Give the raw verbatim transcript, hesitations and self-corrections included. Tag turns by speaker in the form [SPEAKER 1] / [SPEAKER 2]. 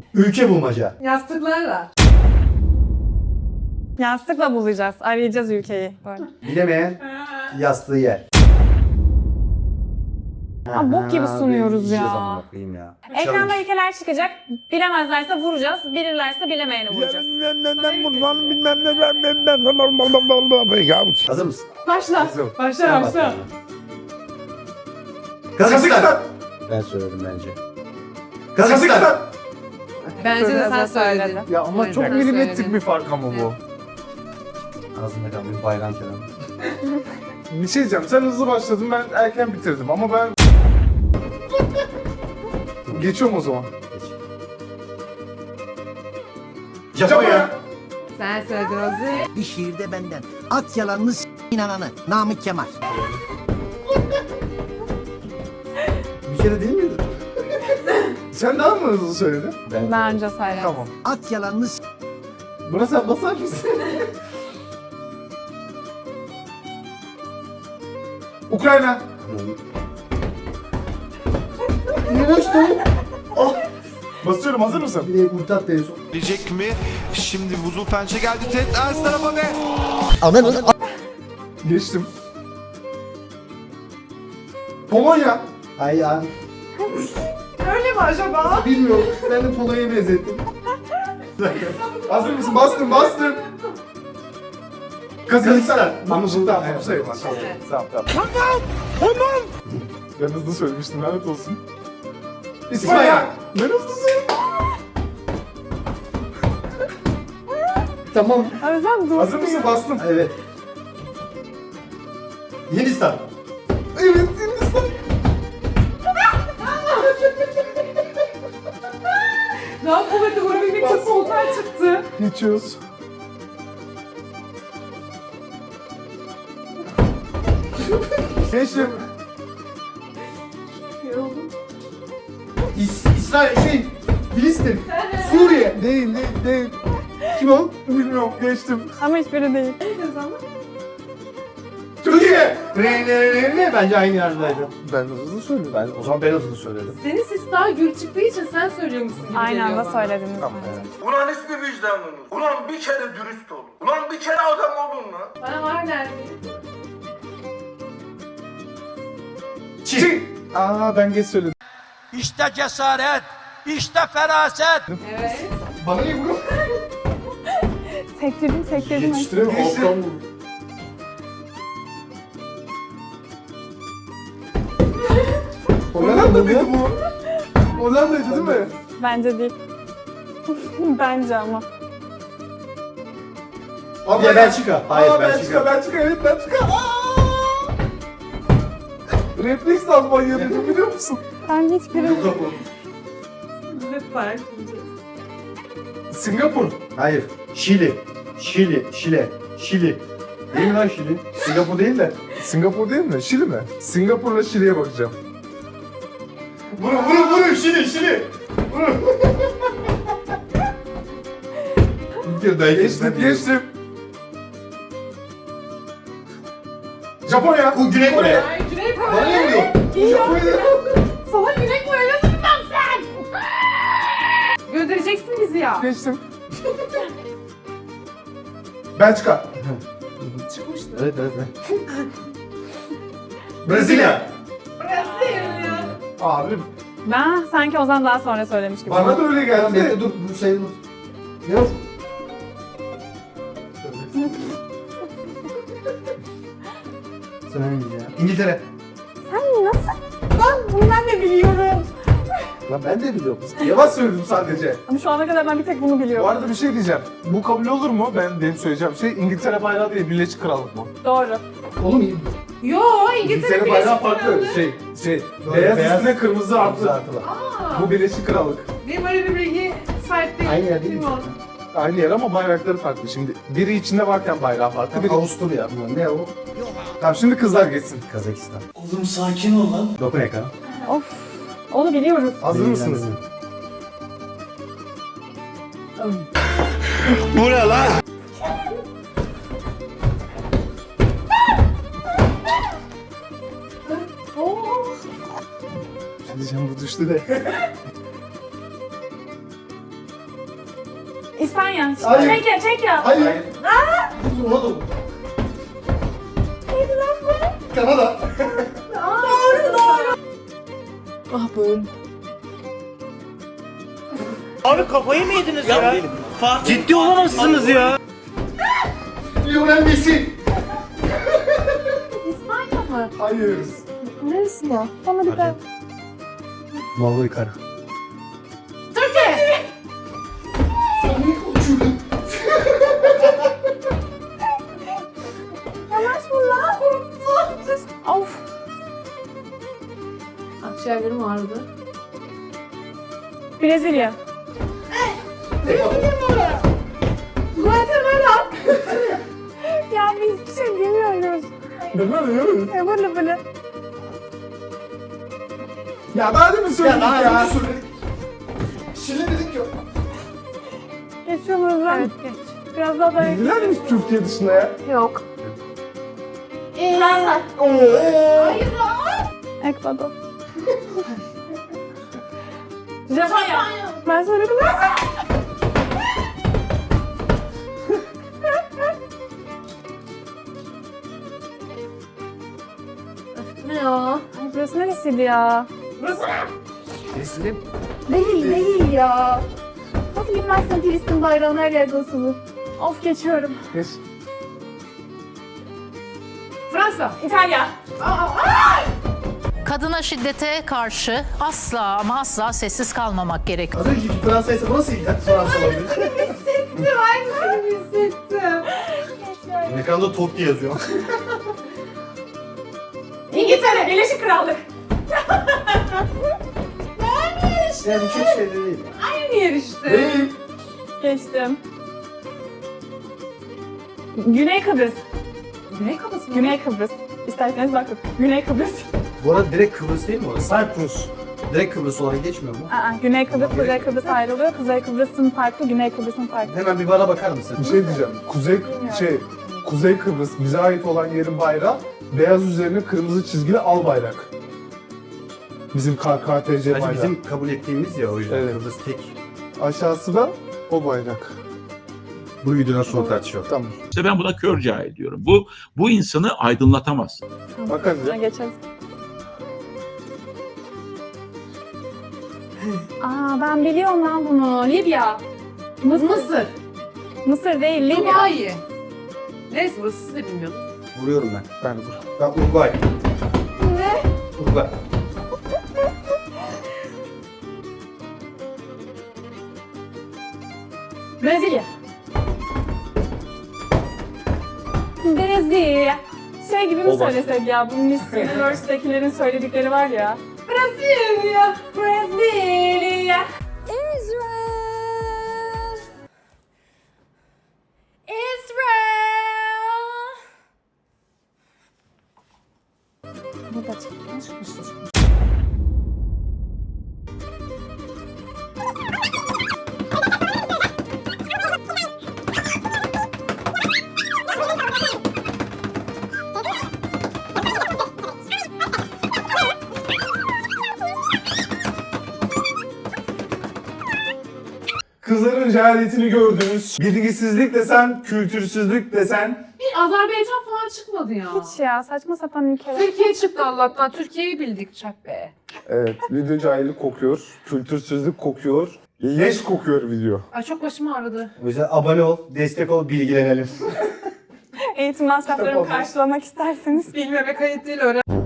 [SPEAKER 1] Ülke bulmaca.
[SPEAKER 2] Yastıklarla.
[SPEAKER 3] Yastıkla bulacağız. Arayacağız ülkeyi. Böyle.
[SPEAKER 1] Bilemeyen yastığı yer.
[SPEAKER 3] Aa, bok gibi sunuyoruz
[SPEAKER 1] Yiyeceğiz
[SPEAKER 3] ya.
[SPEAKER 1] amına koyayım ya.
[SPEAKER 3] Ekranda ülkeler çıkacak. Bilemezlerse vuracağız. Bilirlerse bilemeyeni vuracağız.
[SPEAKER 1] Hazır mısın?
[SPEAKER 2] Başla.
[SPEAKER 4] Hazırım.
[SPEAKER 2] Başla
[SPEAKER 1] Sen
[SPEAKER 2] başla.
[SPEAKER 1] bak. Kazakistan.
[SPEAKER 4] Kazakistan.
[SPEAKER 1] Ben söyledim bence.
[SPEAKER 4] Kazakistan.
[SPEAKER 1] Kazakistan.
[SPEAKER 2] Bence de sen
[SPEAKER 3] Biraz da
[SPEAKER 2] söyledin.
[SPEAKER 3] söyledim.
[SPEAKER 4] Ya ama
[SPEAKER 2] Evet,
[SPEAKER 4] çok
[SPEAKER 2] ben
[SPEAKER 4] milimetrik
[SPEAKER 2] söyledim.
[SPEAKER 4] bir fark ama bu.
[SPEAKER 1] Ağzında kalmış bayram kelamı.
[SPEAKER 4] Bir şey diyeceğim. Sen hızlı başladın, ben erken bitirdim ama ben... Geçiyorum o zaman.
[SPEAKER 1] Japonya.
[SPEAKER 2] Sen söyledin Ozi.
[SPEAKER 5] Bir şiirde benden. At yalanını s**in ananı. Namık Kemal.
[SPEAKER 1] Bir kere değil miydi?
[SPEAKER 4] Sen daha mı hızlı söyledin?
[SPEAKER 1] Ben.
[SPEAKER 3] Ben önce söyledim.
[SPEAKER 4] Tamam.
[SPEAKER 5] At yalanını s**.
[SPEAKER 4] Buna sen basar mısın? Ukrayna.
[SPEAKER 1] Yavaştı. Ah.
[SPEAKER 4] Basıyorum, hazır mısın?
[SPEAKER 1] Bir de kurtat en son.
[SPEAKER 6] Gelecek mi? Şimdi buzul pençe geldi. Ted ters tarafa ve...
[SPEAKER 5] Ananın
[SPEAKER 4] Geçtim. Polonya.
[SPEAKER 1] Ay ya.
[SPEAKER 2] Öyle mi acaba?
[SPEAKER 1] Bilmiyorum. Ben de Polonya'ya benzettim.
[SPEAKER 4] Hazır mısın? Bastım, bastım. Kazakistan. Anlaşıldı. Tamam,
[SPEAKER 1] Evet.
[SPEAKER 4] bu sayılmaz. Tamam,
[SPEAKER 2] Evet.
[SPEAKER 4] tamam. Tamam. Tamam. Ben hızlı söylemiştim, lanet olsun. İspanya. Ben hızlı söyledim.
[SPEAKER 1] Tamam.
[SPEAKER 3] Özlem dur.
[SPEAKER 4] Hazır mısın? Bastım.
[SPEAKER 1] Evet. Hindistan.
[SPEAKER 4] Evet, Hindistan.
[SPEAKER 2] Daha kuvvetli vurabilmek için soltan çıktı.
[SPEAKER 4] Geçiyoruz. Geçtim.
[SPEAKER 2] Yoruldum.
[SPEAKER 1] İs İsrail şey. Filistin. Suriye.
[SPEAKER 4] Değil, değil, değil.
[SPEAKER 1] Kim o?
[SPEAKER 4] Bilmiyorum, geçtim.
[SPEAKER 3] Ama hiçbiri değil.
[SPEAKER 4] Türkiye.
[SPEAKER 1] Ne ne ne ne? Bence aynı yerdeydi.
[SPEAKER 4] Ben hızlı söyledim.
[SPEAKER 1] Ben o zaman ben hızlı söyledim.
[SPEAKER 2] Senin ses daha gür çıktığı için sen söylüyormuşsun gibi
[SPEAKER 3] Aynı
[SPEAKER 2] geliyor
[SPEAKER 3] anda
[SPEAKER 2] bana.
[SPEAKER 3] söylediniz.
[SPEAKER 4] Tamam,
[SPEAKER 3] bence.
[SPEAKER 4] evet.
[SPEAKER 7] Ulan hiçbir vicdanınız. Ulan bir kere dürüst olun. Ulan bir kere adam olun lan.
[SPEAKER 2] Bana var nerede?
[SPEAKER 4] Çin. Aa, ben geç söyledim.
[SPEAKER 7] İşte cesaret, işte feraset.
[SPEAKER 2] Evet.
[SPEAKER 4] Bana niye vuruyor?
[SPEAKER 3] Sektirdim sektirdim.
[SPEAKER 1] Yetiştiremiyorum.
[SPEAKER 4] Geçtim.
[SPEAKER 1] Alttan vurdum.
[SPEAKER 4] Hollanda mıydı bu? Hollanda'ydı değil mi?
[SPEAKER 3] Bence değil. Bence ama.
[SPEAKER 4] Abi
[SPEAKER 1] Ya Belçika. Hayır,
[SPEAKER 4] Aa,
[SPEAKER 1] Belçika.
[SPEAKER 4] Belçika. Belçika, evet Belçika. Aa! Refleks Almanya dedim, biliyor musun?
[SPEAKER 3] Ben hiçbiri...
[SPEAKER 1] Yok, yok, yok.
[SPEAKER 2] Biz de fark
[SPEAKER 4] Singapur.
[SPEAKER 1] Hayır. Şili. Şili. Şile. Şili. Değil mi lan Şili? Singapur değil de.
[SPEAKER 4] Singapur değil mi? Şili mi? Singapur'la Şili'ye bakacağım.
[SPEAKER 1] Vurun vurun vurun Şili Şili. Vurun. Bir kere daha
[SPEAKER 4] Geçtim, geçtim. Japonya.
[SPEAKER 1] Bu Güney Kore.
[SPEAKER 2] Ay Güney
[SPEAKER 1] Bana ne
[SPEAKER 2] Kore.
[SPEAKER 1] vuruyor?
[SPEAKER 2] İyi
[SPEAKER 4] Japonya.
[SPEAKER 2] Sana Güney Kore nasıl bilmem sen? Göndereceksin bizi ya.
[SPEAKER 4] Geçtim. Belçika.
[SPEAKER 2] Çıkmıştı.
[SPEAKER 1] Evet evet. evet. Brezilya.
[SPEAKER 2] Brezilya ya.
[SPEAKER 4] Abi
[SPEAKER 3] Ben sanki Ozan daha sonra söylemiş gibi.
[SPEAKER 4] bana da öyle
[SPEAKER 1] Tamam,
[SPEAKER 4] geldi.
[SPEAKER 1] bekle dur bu sayılmaz. Ne o? Sen hangi ya? İngiltere.
[SPEAKER 3] Sen nasıl? Ben bunu ben de biliyorum.
[SPEAKER 1] Lan ben de biliyorum.
[SPEAKER 4] Yavaş söyledim sadece.
[SPEAKER 3] Ama şu ana kadar ben bir tek bunu
[SPEAKER 4] Bu
[SPEAKER 3] biliyorum.
[SPEAKER 4] arada bir şey diyeceğim. Bu kabul olur mu? Ben benim söyleyeceğim şey İngiltere bayrağı değil, Birleşik Krallık mı?
[SPEAKER 3] Doğru.
[SPEAKER 1] Oğlum iyi.
[SPEAKER 2] Yo İngiltere
[SPEAKER 4] İngiltere bayrağı
[SPEAKER 2] Birleşik
[SPEAKER 4] farklı.
[SPEAKER 2] Krallığı.
[SPEAKER 4] Şey, şey.
[SPEAKER 1] Doğru,
[SPEAKER 4] beyaz,
[SPEAKER 1] beyaz.
[SPEAKER 4] üstüne kırmızı artı.
[SPEAKER 1] Artılar.
[SPEAKER 2] Aa,
[SPEAKER 4] Bu Birleşik Krallık.
[SPEAKER 2] benim öyle bir bilgi sahip değilim.
[SPEAKER 1] Aynı yer değil mi?
[SPEAKER 2] Bilmiyorum.
[SPEAKER 4] Aynı yer ama bayrakları farklı. Şimdi biri içinde varken bayrağı farklı. Biri...
[SPEAKER 1] Avusturya. Ne o?
[SPEAKER 4] Tamam şimdi kızlar geçsin.
[SPEAKER 1] Kazakistan.
[SPEAKER 7] Oğlum sakin ol lan.
[SPEAKER 1] Dokun ekrana.
[SPEAKER 3] Of. Onu biliyoruz.
[SPEAKER 4] Hazır mısınız?
[SPEAKER 6] Bu ne lan?
[SPEAKER 4] Diyeceğim bu düştü de.
[SPEAKER 3] İspanya.
[SPEAKER 1] Hayır.
[SPEAKER 3] Çekya, Çekya.
[SPEAKER 1] Hayır. Ona da.
[SPEAKER 3] Neydi lan bu?
[SPEAKER 1] Kanada.
[SPEAKER 3] Doğru, doğru.
[SPEAKER 2] Ah böyle.
[SPEAKER 8] Abi kafayı mı yediniz ya? Ciddi olamazsınız ya.
[SPEAKER 1] Lionel Messi.
[SPEAKER 3] İspanya mı?
[SPEAKER 4] Hayır.
[SPEAKER 2] Neresi ya?
[SPEAKER 3] Bana bir daha.
[SPEAKER 1] Vallahi kara.
[SPEAKER 3] Türkiye. Yavaş vur lan. Of.
[SPEAKER 2] Akciğerlerim ağrıdı.
[SPEAKER 3] Brezilya.
[SPEAKER 2] Guatemala.
[SPEAKER 3] Ya biz hiçbir şey bilmiyoruz.
[SPEAKER 4] Değil mi? Değil mi?
[SPEAKER 3] Ya böyle böyle.
[SPEAKER 4] Ya daha demin söyledik ya.
[SPEAKER 1] Ya daha önce söyledik. Şili dedik ya.
[SPEAKER 3] Geçiyor muyuz lan? Evet geç. Biraz daha dayak.
[SPEAKER 4] Bildiler mi Türkiye dışında ya?
[SPEAKER 2] Yok.
[SPEAKER 3] Fransa.
[SPEAKER 4] Oo.
[SPEAKER 3] Ekvador. Japonya. Ben söyledim mi?
[SPEAKER 2] Ne ya?
[SPEAKER 3] Ay, burası neresiydi ya?
[SPEAKER 1] Teslim.
[SPEAKER 3] Değil değil ya. Nasıl bilmezsin Filistin bayrağını her yerde asılı. Of geçiyorum.
[SPEAKER 4] Geç.
[SPEAKER 2] Fransa.
[SPEAKER 3] İtalya.
[SPEAKER 9] Kadına şiddete karşı asla ama asla sessiz kalmamak gerekiyor.
[SPEAKER 1] Az önceki Fransa ise bu nasıl ilk Fransa olabilir?
[SPEAKER 2] Hissettim. Aynısını hissettim.
[SPEAKER 1] Ekranda Totti yazıyor.
[SPEAKER 3] İngiltere. Birleşik Krallık.
[SPEAKER 1] Yani çok şey de değil.
[SPEAKER 2] Aynı yer işte.
[SPEAKER 1] Değil.
[SPEAKER 3] Geçtim. Güney Kıbrıs.
[SPEAKER 2] Güney kafası mı?
[SPEAKER 3] Güney Kıbrıs. İsterseniz bakın. Güney Kıbrıs.
[SPEAKER 1] Bu arada direkt Kıbrıs değil mi orası? Cyprus. Direkt Kıbrıs olarak geçmiyor mu?
[SPEAKER 3] Aa, Güney Kıbrıs, Kuzey Kıbrıs ayrılıyor. Kuzey Kıbrıs'ın farklı, Güney Kıbrıs'ın farklı.
[SPEAKER 1] Hemen bir bana bakar mısın?
[SPEAKER 4] Bir şey diyeceğim. Kuzey şey Kuzey Kıbrıs bize ait olan yerin bayrağı beyaz üzerine kırmızı çizgili al bayrak. Bizim K K T C
[SPEAKER 1] Sadece
[SPEAKER 4] bayrağı.
[SPEAKER 1] bizim kabul ettiğimiz ya o yüzden
[SPEAKER 4] Evet.
[SPEAKER 1] Kıbrıs tek.
[SPEAKER 4] Aşağısı da o bayrak.
[SPEAKER 1] Bu videodan sonra tartışalım.
[SPEAKER 4] Tamam.
[SPEAKER 10] İşte ben buna kör cahil diyorum. Bu bu insanı aydınlatamaz.
[SPEAKER 4] Bakalım
[SPEAKER 3] Ha,
[SPEAKER 4] ya.
[SPEAKER 3] geçeriz. Aa ben biliyorum lan bunu. Libya. Mısır.
[SPEAKER 2] Mısır.
[SPEAKER 3] Mısır değil, Libya.
[SPEAKER 2] Dubai. Neyse burası siz de bilmiyordum.
[SPEAKER 1] Vuruyorum ben.
[SPEAKER 4] Ben dur.
[SPEAKER 1] Ben Uruguay.
[SPEAKER 3] Ne?
[SPEAKER 1] Uruguay.
[SPEAKER 3] Brezilya. Brezilya. Şey gibi mi
[SPEAKER 1] O bak.
[SPEAKER 3] söylesek ya? Bu Miss Universe'dekilerin söyledikleri var ya. Brezilya. Brezilya. Israel. Israel. Bu da çıkmış.
[SPEAKER 4] Kızların cehaletini gördünüz. Bilgisizlik desen, kültürsüzlük desen.
[SPEAKER 2] Bir Azerbaycan falan çıkmadı ya.
[SPEAKER 3] Hiç ya saçma sapan ülkeler.
[SPEAKER 2] Türkiye çıktı Allah'tan. Türkiye'yi bildik çak be.
[SPEAKER 4] Evet, video cahillik kokuyor, kültürsüzlük kokuyor, leş kokuyor video.
[SPEAKER 2] Ay çok başım ağrıdı.
[SPEAKER 1] O yüzden abone ol, destek ol, bilgilenelim.
[SPEAKER 3] Eğitim masraflarımı karşılamak isterseniz
[SPEAKER 2] Bilmeme kayıt değil öğren.